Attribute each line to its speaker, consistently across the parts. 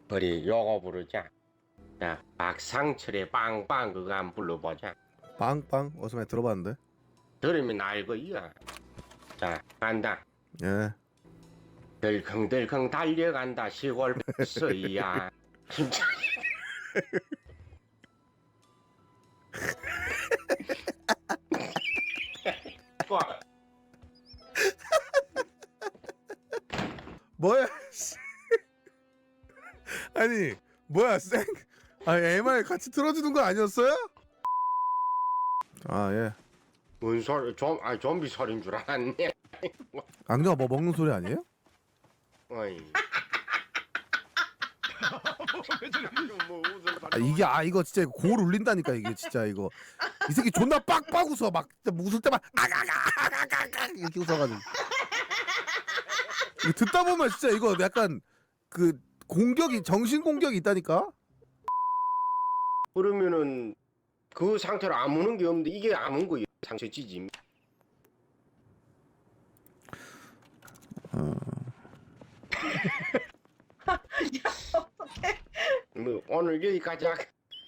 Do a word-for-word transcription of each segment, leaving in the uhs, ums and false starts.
Speaker 1: 우리 요거 부르자. 자, 박상철의 빵빵 그거 한번 불러보자.
Speaker 2: 빵빵 어디서 많이 들어봤는데.
Speaker 1: 들으면 알고 이야. 자, 간다.
Speaker 2: 예.
Speaker 1: 덜컹덜컹 달려간다 시골 버스야. 진짜. 와.
Speaker 2: 뭐야? 씨. 아니 뭐야 쌩? 아니 엠알 같이 틀어주는 거 아니었어요? 아 예.
Speaker 1: 뭔 소리? 좀, 아 좀비 소리인 줄 알았네.
Speaker 2: 악녀가 뭐 먹는 소리 아니에요?
Speaker 1: 어이. 뭐 웃음
Speaker 2: 아 이게 아 이거 진짜 골 울린다니까 이게 진짜 이거 이 새끼 존나 빡빡 웃어 막 진짜 웃을 때만 아가가가가가 이렇게 웃어가지고 이거 듣다 보면 진짜 이거 약간 그 공격이 정신 공격이 있다니까.
Speaker 1: 그러면은 그 상태로 아무는 게 없는데 이게 아문 거예요. 상처 찌짐.
Speaker 2: 어.
Speaker 3: 야 어떡해.
Speaker 1: 뭐 오늘 여기까지 하.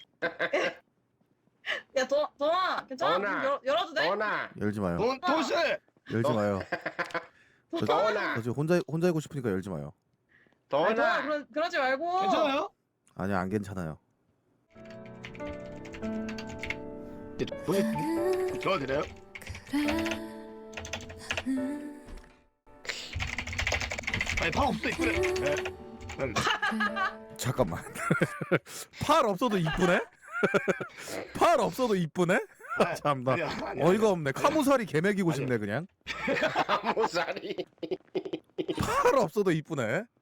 Speaker 3: 야 도, 도아 괜찮아?
Speaker 1: 도나.
Speaker 3: 문 열, 열어도 돼?
Speaker 1: 도나.
Speaker 2: 열지 마요.
Speaker 1: 돈 도시.
Speaker 2: 열지 마요. 저,
Speaker 1: 도나.
Speaker 2: 저 지금 혼자 혼자 있고 싶으니까 열지 마요.
Speaker 3: 아니, 도아
Speaker 1: 도나.
Speaker 3: 그러, 그러지 말고.
Speaker 4: 괜찮아요?
Speaker 2: 아니야 안 괜찮아요.
Speaker 4: 도와드려요? 아니 방 없어 그래. 네. 음.
Speaker 2: 잠깐만. 팔 없어도 이쁘네? 팔 없어도 이쁘네?
Speaker 4: 아,
Speaker 2: 참나
Speaker 4: 아니야, 아니야,
Speaker 2: 어이가 없네. 카무사리 개매기고
Speaker 4: 아니야.
Speaker 2: 싶네 그냥.
Speaker 1: 모사리.
Speaker 2: 팔 없어도 이쁘네.